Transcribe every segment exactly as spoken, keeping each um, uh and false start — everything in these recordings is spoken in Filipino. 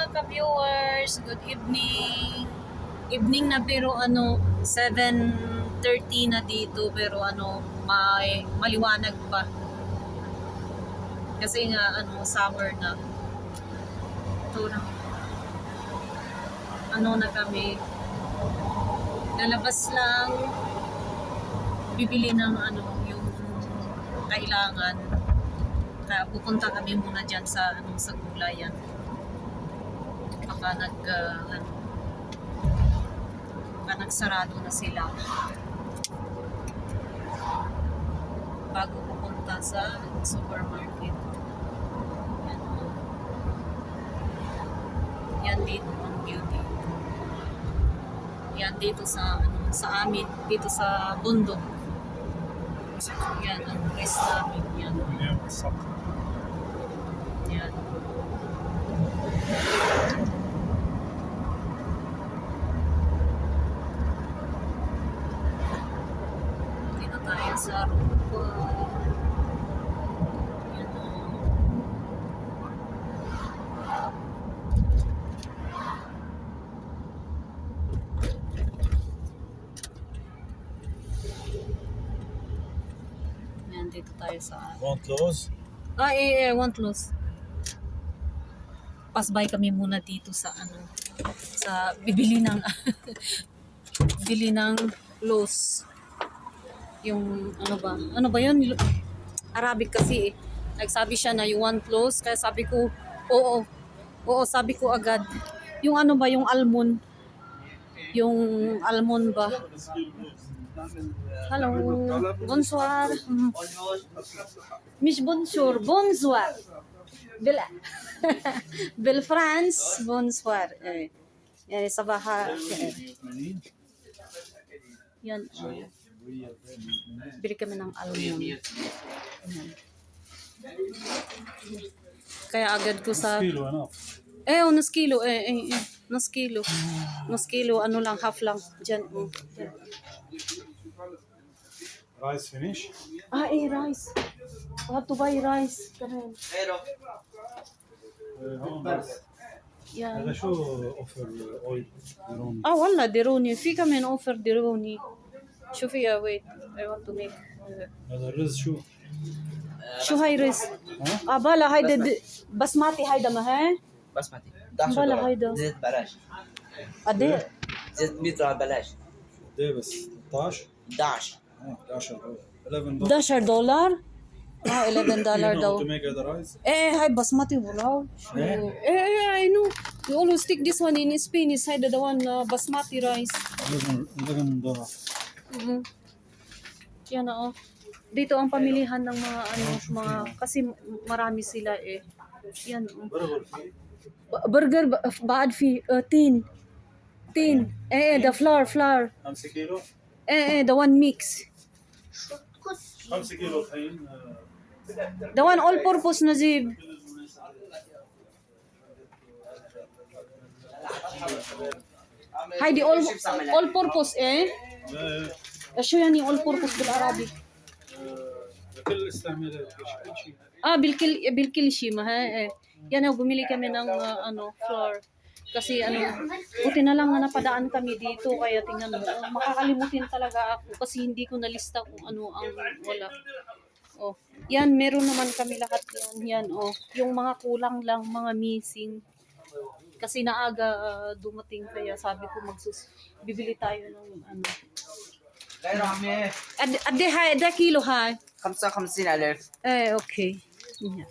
mga ka-viewers, good evening. Evening na pero ano, seven thirty na dito pero ano, may maliwanag pa. Kasi nga ano, summer na. Ito na. Ano na kami. Lalabas lang. Bibili ng ano, yung kailangan. Kaya pupunta kami muna dyan sa ano, sa gulayan. Baka nag uh, ano, baka nagsarado na sila bago pupunta sa supermarket. Yan, yan dito ang beauty. Yan dito sa ano, sa amin, dito sa bundok. Yan ang place namin. Yan. Yan. Dito tayo sa rupa. Yan. Yan, dito tayo sa... Want close? Ah, eh, eh, want loss. Pass by kami muna dito sa ano, sa bibili ng bili ng loss. Yung ano ba? Ano ba 'yun? Arabic kasi eh. Nagsabi siya na you want loss, kaya sabi ko, oo. Oo, sabi ko agad. Yung ano ba, yung almond. Yung almond ba? Hello. Bonsoir. مش bonjour, bonsoir. بال بالفرنس bonsoir. Eh. Yani sabaha. Yan. Oh. Bili kami ng almond. Yan. Kaya agad ko sa Kilo, ano? eh, oh, nas kilo, eh, eh, eh, nas kilo. Nas kilo, ano lang, half lang. Diyan, oh. Diyan. Rice finish? Ah, eh, rice. We have to buy rice. كمان. Yeah. هذا شو اوفر اويل درون؟ اه والله ديروني في كمان اوفر ديروني. شوفي يا ويت I want to make. هذا الرز شو؟ شو هاي رز؟ اه بلا هيدا د- بسماتي هيدا ما هي؟ بسمتي احدعش بلا دولار هيدا. زيت بلاش قد ايه؟ زيت مية دولار بلاش قد ايه بس؟ ثلاثة عشر؟ احدعش اه احد عشر دولار eleven dollars. احد عشر دولار؟ اه eleven You دولار know how دو. to make other rice? Eh, هاي بسماتي بلاو. شو؟ eh, eh, I know. You always take this one in Spanish. هيدا the one uh, basmati rice. eleven eleven دولار. Mm-hmm. Yan oo. Dito ang pamilihan ng mga ano, mga kasi marami sila eh. Yan. Oh. برغر فيه B- Burger ba- بعد في uh, tin. Tin. Eh, eh, the flour, flour. خمسة كيلو Eh, eh, the one mix. خمسة كيلو طحين آه، The one all purpose Nazib. هيدي all all purpose eh. آه، شو يعني all purpose بالعربي؟ آه، لكل استعمالات كل شيء. Ah, bilkil bilkil shi ma ha. Eh. Yan oh, bumili kami ng uh, ano, flour. Kasi ano, buti na lang na napadaan kami dito kaya tingnan mo, oh, makakalimutin talaga ako kasi hindi ko nalista kung ano ang wala. Oh, yan meron naman kami lahat yan. Yan oh, yung mga kulang lang, mga missing. Kasi naaga uh, dumating kaya sabi ko magsus bibili tayo ng ano. غير عمي Ad ade hay, ade kilo hay. خمسة وخمسين ألف Eh, okay. Yeah.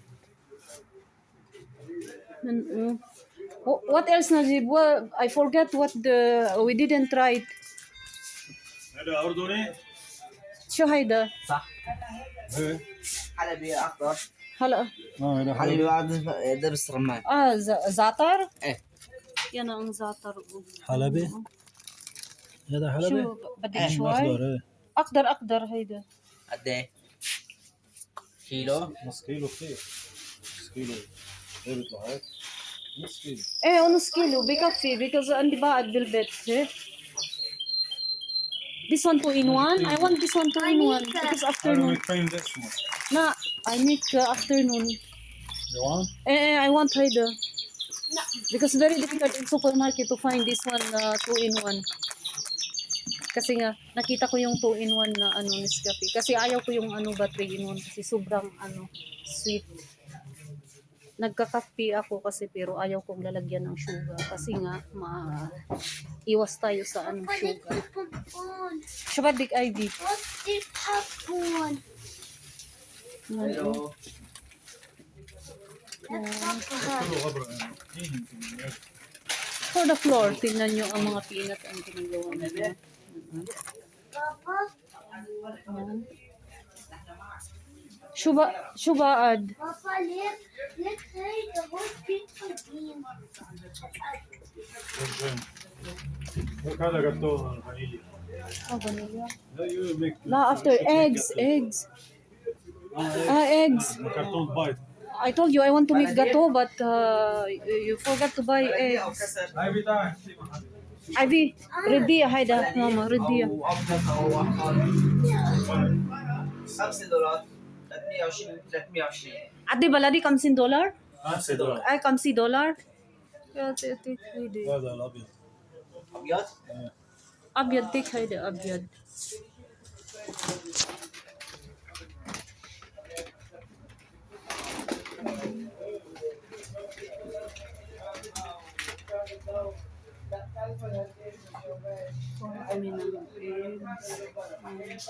And, uh, wh- what else, Najib? Well, I forget what the we didn't try it. هذا أردني؟ شو هيدا؟ صح ايه حلبي أخضر هلا اه هذا حلبي حلبي بعد دبس رمان ah za- zatar? إيه Yan ang zatar. حلبي هذا حلبي؟ شو بدك مم، شوي؟ أخضر ايه أقدر أقدر هيدا. قد إيه؟ كيلو نص كيلو كثير نص كيلو ايه بيطلع هيك نص كيلو إيه نص كيلو بكفي because عندي بعد بالبيت. إيه. This one two in one? I want this one two in one because I don't afternoon. make pain this much. Na, I make uh, afternoon. You want? Eh, eh, I want هيدا. Because very difficult in supermarket to find this one uh, two in one. Kasi nga, nakita ko yung two in one na ano, Nescafe. Kasi ayaw ko yung ano ba three in one kasi sobrang ano, sweet. Nagkakape ako kasi pero ayaw kong lalagyan ng sugar. Kasi nga, ma iwas tayo sa ano, sugar. Shabadik I D. What's this popcorn? Ano, for the floor, tingnan nyo ang mga peanut ang ginagawa nila. Papa, Ayan. Shuba, shubaad. Papa, look, look, hey, the whole big again. What kind of gato vanilla? Oh, vanilla. No, you make La, after eggs, eggs. Ah, eggs. carton bite. I told you I want to make gato, but uh, you you forgot to buy eggs. Every time. Ivy, ready, hayda, mama, ready. أو أفضل أو أقل خمسة دولار ثلاثمية وعشرين ثلاثمية وعشرين Adi baladi kamsin dollar? خمسة دولار. Ay, kamsi dollar? Yeah, take, take, hayda. هذا الأبيض. أبيض Abyad, take, hayda, abyad. Kami ng eggs.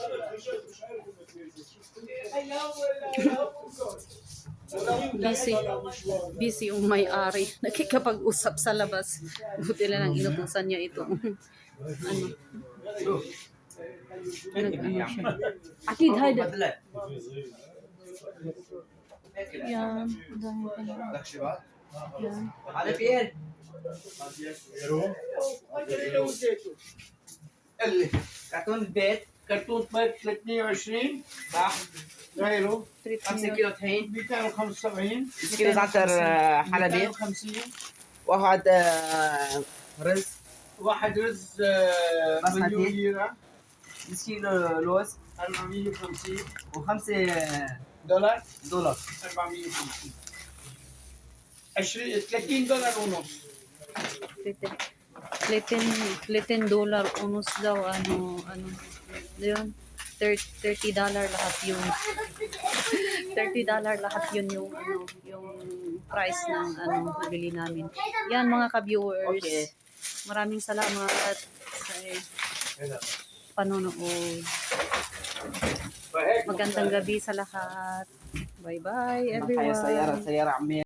Busy. Busy yung may-ari. Nakikipag-usap sa labas. Buti lang ang inutusan niya ito. ano? Nag-ano siya. Akid, hayda. بدلة Yan. Dahil ka na. لك شباب Yan. هذا بيير اللي كرتون البيت كرتون بيت ثلاثمية وعشرين صح غيره خمسة كيلو طحين مئتين وخمسة وسبعين كيلو زعتر آه، حلبي مئتين وخمسين واحد آه، رز واحد رز آه، بسمتي. مليون ليرة نص كيلو لوز أربعمية وخمسين وخمسة دولار دولار أربعمية وخمسين عشرين ثلاثين دولار ونص thirteen dollar unos daw ano ano yun thirty dollar lahat yun thirty dollar lahat yun yung ano yung price ng ano nabili namin yan mga ka-viewers Okay. maraming salamat sa panonood magandang gabi sa lahat bye bye معايا سيارة everyone سيارة عمي